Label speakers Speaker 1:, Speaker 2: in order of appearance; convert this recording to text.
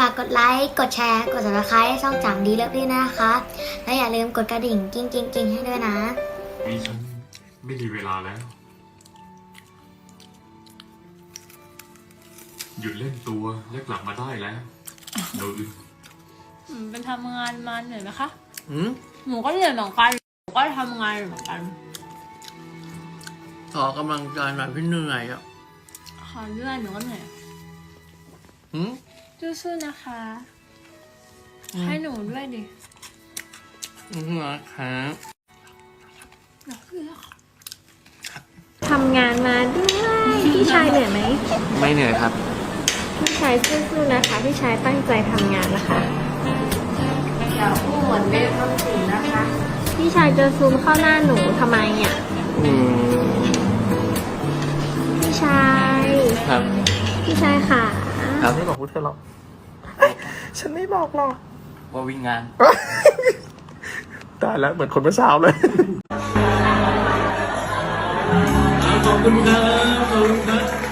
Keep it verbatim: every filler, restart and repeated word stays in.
Speaker 1: ากกดไลค์กดแชร์กด ซับสไครบ์ ให้ช่องจังดีเลิฟพี่นะคะและอย่าลืมกดกระดิ่งกิ้งกิ้งกิ้งให้ด้วยนะ
Speaker 2: นี่ฉันไม่มีเวลาแล้วหยุดเล่นตัวและกลับมาได้แล้วโดย
Speaker 3: เป็นทำงานมาเหนื่อยไหมคะ
Speaker 4: อืม
Speaker 3: หนูก็เหนื่อยเหมือนกันหนูก็ทำงานเหมือนกัน
Speaker 4: ออกกำลังกายหน่อยพี่เหนื่อยอ่ะ
Speaker 3: ขอเลื่อนหนูก็เหนื่อย
Speaker 4: อืม
Speaker 3: สู้ๆนะคะให้หนูด้วยดิ
Speaker 4: อืมนะครับ
Speaker 5: ทำงานมาด้วยพี่ชายเหนื่อยไหม
Speaker 4: ไม่เหนื่อยครับ
Speaker 5: พี่ชายสู้ๆนะคะพี่ชายตั้งใจทำงานนะคะอย่าพูดเหมือนเบสทำสิ่งนะคะพี่ชายจะซูมเข้าหน้าหนูทำไมอ่ะ
Speaker 4: อืม
Speaker 5: พี่ชาย
Speaker 4: ครับ
Speaker 5: พี่ชายค่ะ
Speaker 4: ครับไม่บอกพูดเธอหรอก
Speaker 6: ฉันไม่บอกหรอก
Speaker 4: ว่าวิ่งงาน
Speaker 6: ตายแล้วเหมือนคนเมื่อเช้าเลย
Speaker 4: ขอบคุณครับขอบคุณครับ